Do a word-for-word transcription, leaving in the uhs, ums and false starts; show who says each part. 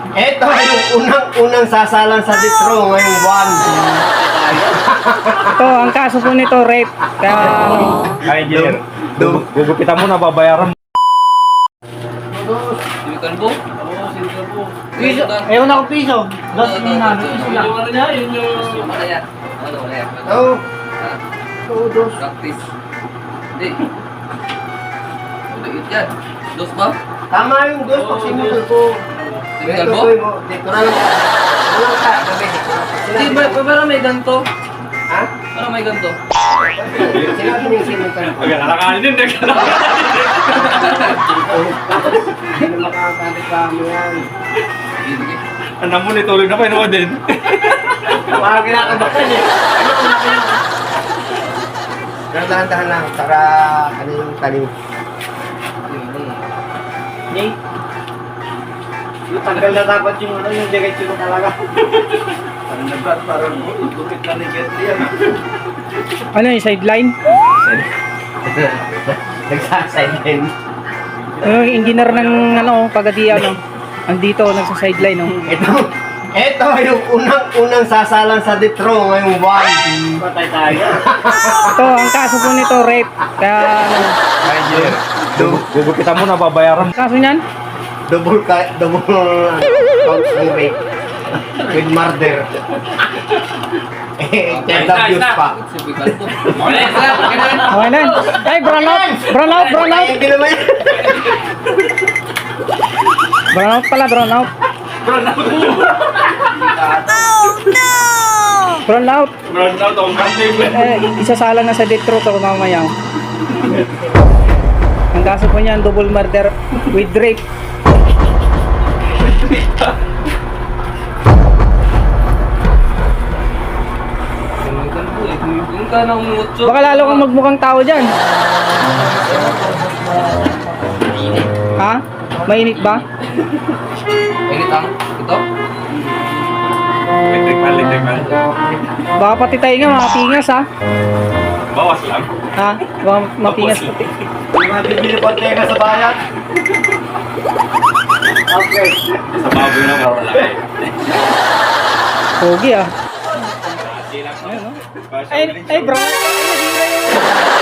Speaker 1: Ito yung unang-unang sasalang sa Detro ngayong buwan.
Speaker 2: Ito, ang kaso po nito, rape. Kaya,
Speaker 3: Kaya engineer, gugupitan mo na babayaran mo.
Speaker 4: Sinikalbo?
Speaker 1: Piso, ewan ako piso. Dos yung nano, piso lang.
Speaker 4: Wala yan. Wala, wala yan.
Speaker 1: Oo. Oo, dos.
Speaker 4: Practice. Hindi. Ulit yan. Dos ba?
Speaker 1: Tama yung dos pag sinutol ko.
Speaker 4: Sinikalbo?
Speaker 1: Dito na lang. Walang ka, gabi.
Speaker 4: Hindi ba? Parang may ganto.
Speaker 1: Ha?
Speaker 4: Parang may ganto.
Speaker 1: Sinabi niya yung sinutol ko.
Speaker 3: Agad, alakanin din,
Speaker 1: Hindi na makakakabit ka mo yan.
Speaker 4: Sige, sige.
Speaker 3: Ang mo nitulog na pa, inuwa din.
Speaker 1: Parang kinakabakan eh. Pero dahan-dahan lang para ano yung talim. Jay? Yung tanggal na dapat yung ano yung diretso ko talaga. Parang nagbat, parang bukit na ni Getty yan.
Speaker 2: ano yung sideline?
Speaker 1: Nagsasideline.
Speaker 2: Ano yung engineer ng ano, pagadi ano, andito, nagsa-sideline, no?
Speaker 1: Ito, ito yung unang-unang sasalang sa Detro ngayong buwan. Patay tayo.
Speaker 2: Ito, ang kaso po nito, rape. Kaya, ano,
Speaker 3: Kaya engineer, gugupitan mo na babayaran mo.
Speaker 2: kaso niyan?
Speaker 1: Double ka, double ano, count ng rape. With murder. Eh, child abuse pa.
Speaker 4: Sinikalbo. Wala yan, sir. Okay na yan.
Speaker 2: Okay na. Ay, brown out! Brown out, brown out!
Speaker 1: Hindi naman yan.
Speaker 2: Brown out pala, brown out. Brown out!
Speaker 3: Brown out, ang kanting.
Speaker 2: Eh, isasalang na sa death row to mamaya. Ang kaso po niyan, double murder with rape.
Speaker 4: Sinikalbo eh. Yung ka na umutso.
Speaker 2: Baka lalo kang magmukhang tao dyan. Ha? Mainit ba?
Speaker 4: Init ang ito?
Speaker 3: Electric man, electric man.
Speaker 2: Baka pati tayo nga, mapingas ha?
Speaker 3: Bawas lang.
Speaker 2: Ha? Baka mapingas pati.
Speaker 1: Yung mga bibili po teka sa bayan. Okay.
Speaker 3: Sa baboy na mawala.
Speaker 2: Pogi ah. Ayun, no? Ay, ay bro. Ay, nasira yung...